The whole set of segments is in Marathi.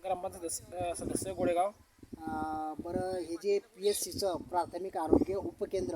ग्रामपंचायत सदस्य गोळेगाव. बरं, हे जे PSCचं प्राथमिक आरोग्य उपकेंद्र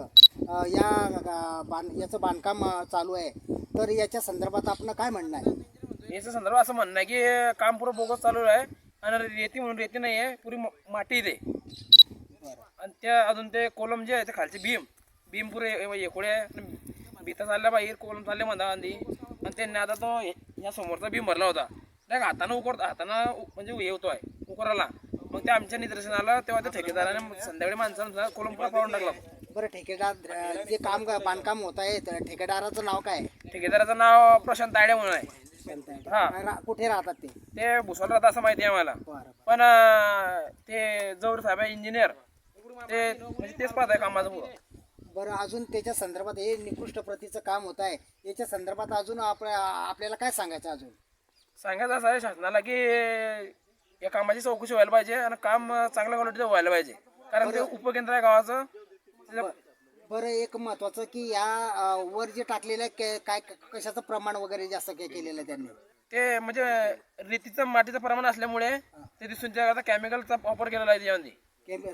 याचं बांधकाम चालू आहे, तर याच्या संदर्भात आपण काय म्हणणं आहे? याच्या संदर्भात असं म्हणणं आहे की काम पुरं बोगस चालू आहे आणि रेती म्हणून रेती नाही आहे, पुरी माती दे. आणि त्या अजून ते कोलम जे आहे ते खालचे भीम पुरे एकोडे भीता चालल्या बाहेर कोलम चालले म्हणता आधी. आणि त्यांनी आता तो ह्या समोरचा भीम भरला होता, त्या हातानं म्हणजे हे होतो आहे उकराला. मग ते आमच्या निदर्शनाला तेव्हा त्या ठेकेदाराने संध्याकाळी माणसानं कोलम पुरा पाडून टाकला. बरं, ठेकेदार जे बांधकाम होत आहे, तर ठेकेदाराचं नाव काय आहे? ठेकेदाराचं नाव प्रशांत तायडे म्हणून आहे. कुठे राहतात ते? ते भुसावळ राहतात असं माहिती आहे आम्हाला. पण ते जवळ साहेब इंजिनियर ते म्हणजे तेच पाहत आहे कामाचं पुरं. बरं, अजून त्याच्या संदर्भात हे निकृष्ट प्रतीचं काम होत आहे, याच्या संदर्भात अजून आपल्याला काय सांगायचं? अजून सांगायचं असं आहे शासनाला की या कामाची चौकशी व्हायला पाहिजे आणि काम चांगल्या क्वालिटीचं व्हायला पाहिजे, कारण ते उपकेंद्र आहे गावाचं. बरं, एक महत्वाचं की या वर जे टाकलेलं आहे काय कशाचं प्रमाण वगैरे जास्त केलेलं आहे त्यांनी? ते म्हणजे रेतीचं मातीचं प्रमाण असल्यामुळे ते दिसून त्या केमिकलचा वापर केलेला आहे त्यामध्ये.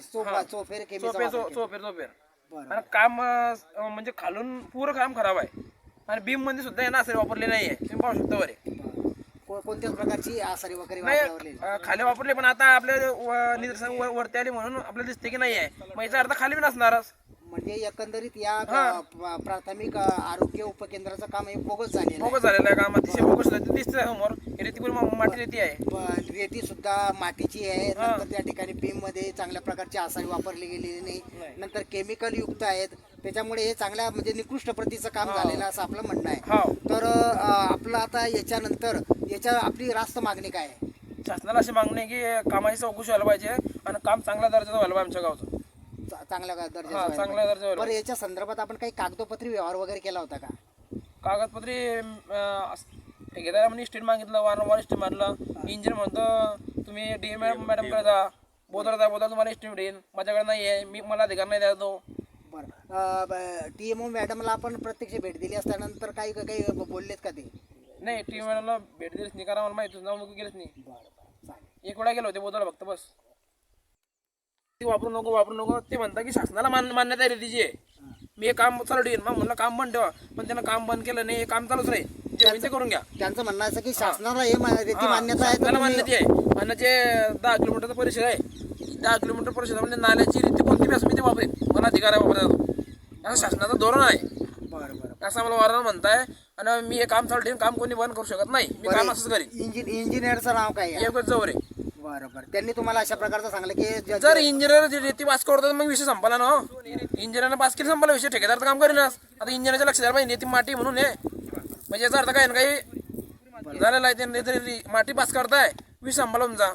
चोफेर आणि काम म्हणजे खालून पुरं काम खराब आहे आणि बीम मध्ये सुद्धा यांना आसारी वापरले नाही आहे. तुम्ही पाहू शकता वरे कोणत्याच प्रकारची आसारी वगैरे नाही खाली वापरले, पण आता आपल्या निदर्शन वरती आली म्हणून आपल्याला दिसते की नाही आहे. मग याचा अर्थ खाली बी नसणारच. म्हणजे एकंदरीत या प्राथमिक आरोग्य उपकेंद्राचं काम हे बोगस झालेलं आहे. काम अतिशय बोगस दिसतंय समोर. रेती माती रेती आहे, रेती सुद्धा मातीची आहे. नंतर त्या ठिकाणी बीम मध्ये चांगल्या प्रकारची आसारी वापरली गेलेली नाही. नंतर केमिकल युक्त आहेत, त्याच्यामुळे हे चांगल्या म्हणजे निकृष्ट प्रतीचं काम झालेलं असं आपलं म्हणणं आहे. तर आपलं आता याच्यानंतर आपली रास्त मागणी काय आहे? शासनाला अशी मागणी आहे की कामाची चौकशी व्हायला पाहिजे आणि काम चांगल्या दर्जाचं व्हायला पाहिजे आमच्या गावचं. चांगल्या दर्जाचं. बरं, याच्या संदर्भात आपण काही कागदोपत्री व्यवहार वगैरे केला होता का? कागदपत्री ठेकेदारांनी स्टेट मागितलं, वारंवार स्टेट मारलं. इंजिनियर म्हणतो तुम्ही DM मॅडमकडे जा, बोलता तुम्हाला स्टेट देईन. माझ्याकडे नाही आहे, मला अधिकार नाही द्यायचो. बरं, TMO मॅडमला आपण प्रत्यक्ष भेट दिली असल्यानंतर काही बोललेत का ते? नाही, TMO मॅडमला भेट दिलीच नाही, कारण मला माहिती नाव नको गेलंच नाही. एक वेळा गेलो होते बोलायला फक्त, बस. वापरू नको ते म्हणता की शासनाला मान्यता आहे रेतीची आहे. मी हे काम चालू ठेवीन. मग म्हणलं काम बंद ठेवा, पण त्यानं काम बंद केलं नाही. हे काम चालूच राहील, जे करून घ्या. त्यांचं म्हणणं असं की शासनाला हे रेती मान्यता आहे, त्याला मान्यता आहे. आणि जे 10 किलोमीटरचा परिसर आहे, 10 किलोमीटर परिसरामध्ये नाल्याची रेती कोणती बी असं मी ते वापरेन, मला अधिकार आहे वापरायचा. असं शासनाचं धोरण आहे. असं मला वारंवार म्हणताय. आणि मी हे काम चालू ठेवीन, काम कोणी बंद करू शकत नाही. मी काम असंच करीन. इंजिनियरचं नाव काय आहे? एकच जवळ आहे. बरोबर, त्यांनी तुम्हाला अशा प्रकारचं सांगलं की जर इंजिनियर रेती पास करतो मग विषय संपला ना. इंजिनियरनं पास केली संपला विषय, ठेकेदार काम करीनच. आता इंजिनियरच्या लक्ष द्यायला पाहिजे, रेती माती म्हणून आहे म्हणजे याचा अर्थ काय ना काही झालेला आहे. त्यांनी तरी माती पास करताय, विषय संपला तुमचा.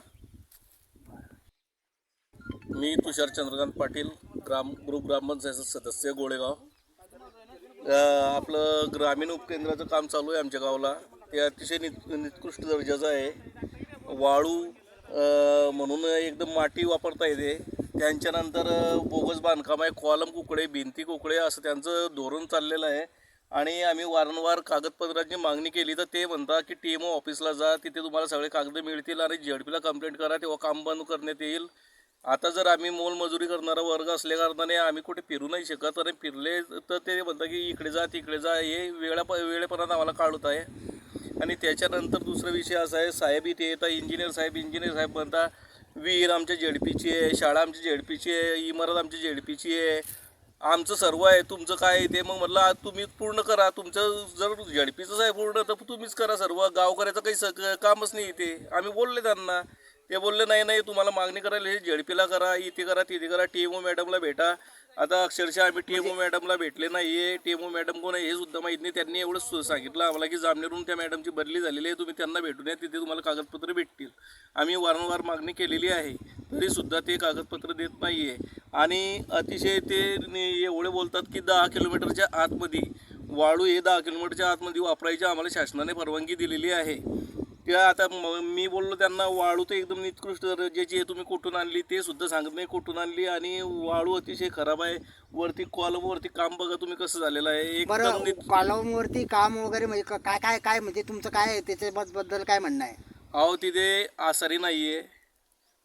मी तुषार चंद्रकांत पाटील, ग्रुप ग्रामपंचायत सदस्य गोळेगाव. आपलं ग्रामीण उपकेंद्राचं काम चालू आहे आमच्या गावाला. ते अतिशय निकृष्ट दर्जाचं आहे. वाळू म्हणून एकदम माती वापरता येते. त्यांच्यानंतर बोगस बांधकाम आहे, कॉलम कुकडे, भिंती कुकडे असं त्यांचं धोरण चाललेलं आहे. आणि आम्ही वारंवार कागदपत्रांची मागणी केली तर ते म्हणतात की TMO ऑफिसला जा, तिथे तुम्हाला सगळे कागद मिळतील आणि ZP ला कंप्लेंट करा, तेव्हा काम बंद करण्यात येईल. आता जर आम्ही मोलमजुरी करणारा वर्ग असल्या कारणाने आम्ही कुठे फिरू नाही शकत. आणि फिरले तर ते म्हणतात की इकडे जा तिकडे जा, हे वेळेपणात आम्हाला काढत आहे. आणि त्याच्यानंतर दुसरा विषय असा आहे, साहेब इथे येतात, इंजिनियर साहेब म्हणता विहीर आमच्या ZPची आहे, शाळा आमची ZPची आहे, इमारत आमची ZPची आहे, आमचं सर्व आहे, तुमचं काय आहे ते. मग म्हटलं तुम्ही पूर्ण करा, तुमचं जर ZPचंच आहे पूर्ण तर तुम्हीच करा सर्व, गावकऱ्याचं काही कामच नाही इथे. आम्ही बोलले त्यांना, ते बोलले नाही तुम्हाला मागणी करायला हे ZP ला करा, इथे करा तिथे करा, TMO मॅडमला भेटा. आता अक्षरशः आम्ही TMO मॅडमला भेटले नाही आहे. TMO मॅडम कोण आहे हे सुद्धा माहीत नाही. त्यांनी एवढंच सांगितलं आम्हाला की जामनेरून त्या मॅडमची बदली झालेली आहे, तुम्ही त्यांना भेटून या, तिथे तुम्हाला कागदपत्र भेटतील. आम्ही वारंवार मागणी केलेली आहे, तरीसुद्धा ते कागदपत्र देत नाही आहे. आणि अतिशय ते एवढे बोलतात की 10 किलोमीटरच्या आतमध्ये वाळू हे 10 किलोमीटरच्या आतमध्ये वापरायची आम्हाला शासनाने परवानगी दिलेली आहे. त्या आता मी बोललो त्यांना वाळू तर एकदम निकृष्ट दर्जाची आहे, तुम्ही कुठून आणली ते सुद्धा सांगत नाही कुठून आणली. आणि वाळू अतिशय खराब आहे. वरती कॉलमवरती काम बघा तुम्ही कसं झालेलं आहे. एकदम कॉलमवरती काम वगैरे म्हणजे काय म्हणजे तुमचं काय त्याच्याबद्दल काय म्हणणं आहे? अहो तिथे आसारी नाही आहे,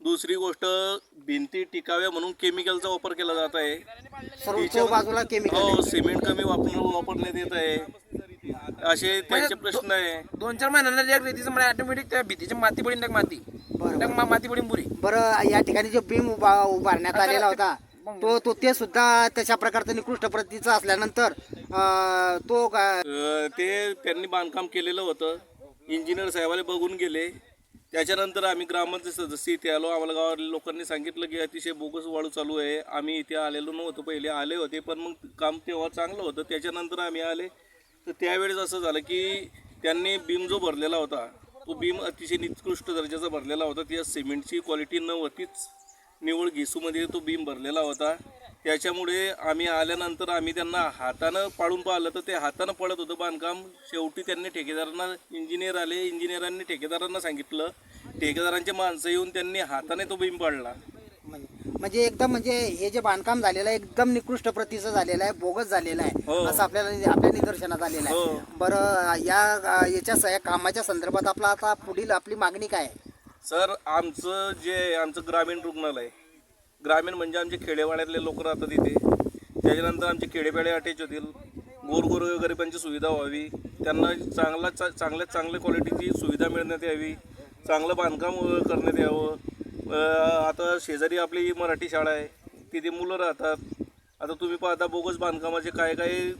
दुसरी गोष्ट भिंती टिकाव्या म्हणून केमिकलचा वापर केला जात आहे. सर्व बाजूला केमिकल हो, सिमेंट कमी वापरण्यात येत आहे, असे त्यांचे प्रश्न आहे. 2-4 महिन्यांना जे रेतीचं म्हणजे ऑटोमॅटिक त्या भीतीची माती पडीन टाक माती माती पडीन पुरी. बरं, या ठिकाणी जो बीम उभारण्यात आलेला होता तो ते सुद्धा तशा प्रकारचा निकृष्ट प्रतीचा असल्यानंतर तो ते त्यांनी बांधकाम केलेलं होतं. इंजिनियर साहेबाला बघून गेले. त्याच्यानंतर आम्ही ग्रामपंचायत सदस्य इथे आलो. आम्हाला गावातल्या लोकांनी सांगितलं की अतिशय बोगस वाळू चालू आहे. आम्ही इथे आलेलो नव्हतो, पहिले आले होते, पण मग काम तेव्हा चांगलं होतं. त्याच्यानंतर आम्ही आले तर त्यावेळेस असं झालं की त्यांनी बीम जो भरलेला होता तो बीम अतिशय निकृष्ट दर्जाचा भरलेला होता. त्या सिमेंटची क्वालिटी नव्हतीच, निव्वळ घेसूमध्ये तो बीम भरलेला होता. त्याच्यामुळे आम्ही आल्यानंतर आम्ही त्यांना हातानं पाडून पाहिलं तर ते हातानं पडत होतं बांधकाम. शेवटी त्यांनी ठेकेदारांना, इंजिनियर आले, इंजिनियरांनी ठेकेदारांना सांगितलं, ठेकेदारांचे माणसं येऊन त्यांनी हाताने तो बीम पाडला. म्हणजे एकदम म्हणजे हे जे बांधकाम झालेलं आहे एकदम निकृष्ट प्रतीचं झालेलं आहे, बोगस झालेलं आहे असं आपल्या निदर्शनात आलेलं आहे. बरं, या कामाच्या संदर्भात आपला आता पुढील आपली मागणी काय आहे? सर, आमचं जे आमचं ग्रामीण रुग्णालय, ग्रामीण म्हणजे आमचे खेडेवाड्यातले लोक राहतात इथे. त्याच्यानंतर आमचे खेडेपाडे अटॅच होतील. गोरगोर गरिबांची सुविधा व्हावी, त्यांना चांगल्यात चांगल्या क्वालिटीची सुविधा मिळण्यात यावी, चांगलं बांधकाम करण्यात यावं. आता शेजारी आपली मराठी शाळा आहे, तिथे मुलं राहतात. आता तुम्ही पाहता बोगस बांधकामाचे काय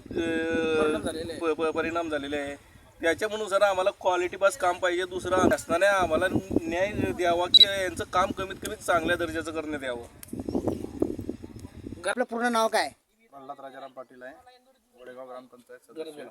परिणाम झालेले आहे. त्याच्यामुळे सर आम्हाला क्वालिटी बस काम पाहिजे. दुसरं असताना आम्हाला न्याय द्यावा की यांचं काम कमीत कमी चांगल्या दर्जाचं करण्यात यावं. आपलं पूर्ण नाव काय? प्रल्हाद राजाराम पाटील आहे, वडेगाव ग्रामपंचायत सदस्य.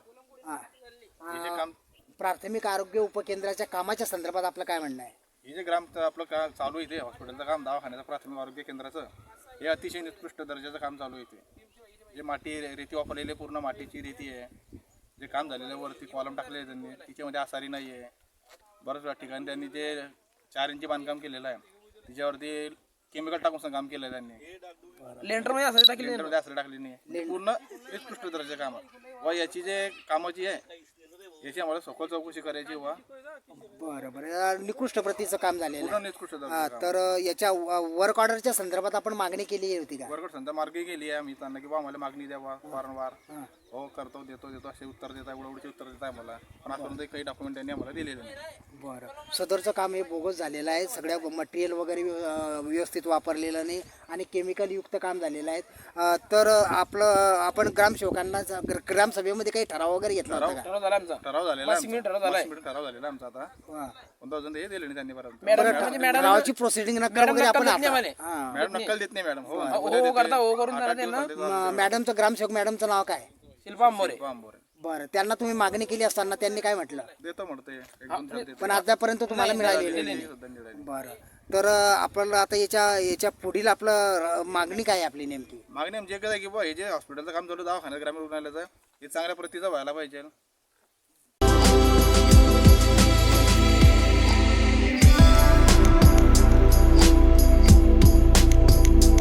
प्राथमिक आरोग्य उपकेंद्राच्या कामाच्या संदर्भात आपलं काय म्हणणं आहे? हे जे आपलं चालू आहे, इथे हॉस्पिटलचं काम, दवाखान्याचं, प्राथमिक आरोग्य केंद्राचं, हे अतिशय निकृष्ट दर्जाचं काम चालू आहे. इथे जे माती रेती वापरलेली पूर्ण मातीची रेती आहे. जे काम झालेलं वरती कॉलम टाकले आहे त्यांनी, तिच्यामध्ये आसारी नाही आहे. बऱ्याच ठिकाणी त्यांनी जे 4 इंची बांधकाम केलेलं आहे त्याच्यावरती केमिकल टाकून काम केलं आहे त्यांनी. लेंटरमध्ये असं टाकली लेंटरमध्ये आसारी टाकली नाही. पूर्ण निकृष्ट दर्जाचं काम आहे. व याची जे कामाची आहे याची आम्हाला सखोल चौकशी करायची. वा बरं, निकृष्ट प्रतीचं काम झालेलं पूर्ण आहे. निकृष्ट दर्जाचं तर याच्या वर्क ऑर्डरच्या संदर्भात आपण मागणी केली होती का? वर्कआउट संध्या मार्गी गेली आहे आम्ही त्यांना की बा आम्हाला मागणी द्यावा वारंवार. हो, करतो, देतो असे उत्तर देता, एवढे उत्तर देत आहे मला, पण आतापर्यंत काही डॉक्युमेंट त्यांनी आम्हाला दिलेले नाही. बरं, सदरचं काम हे बोगस झालेलं आहे. सगळ्या मटेरियल वगैरे व्यवस्थित वापरलेलं नाही आणि केमिकल युक्त काम झालेलं आहे. तर आपण ग्रामसेवकांना ग्रामसभेमध्ये काही ठराव वगैरे घेतला होता का? ठराव झाला आमचा. ठराव झालेला ठराव झालाय. आमचा आता. पण अजून हे दिले नाही त्यांनी पर्यंत. मॅडम ठरावाची प्रोसिडिंग नक्कल वगैरे आपण मॅडम नक्कल देत नाही मॅडम. हो करता हो करून जाणार त्यांना. मॅडमचं ग्रामसेवक मॅडमचं नाव काय? शिल्पा आंबोरे. बरं, त्यांना तुम्ही मागणी केली असताना त्यांनी काय म्हटलं? देतो म्हणते, 1-2 दिवस देतो. पण आतापर्यंत तुम्हाला मिळालेली नाही. बरं, तर आपल्याला आता याच्या पुढील आपलं मागणी काय आहे आपली नेमकी? मागणी आमची एकच आहे की बा हे जे हॉस्पिटलचं काम चालू, दवाखान्यात, ग्रामीण रुग्णालयाचं, हे चांगल्या प्रतीचं व्हायला पाहिजे.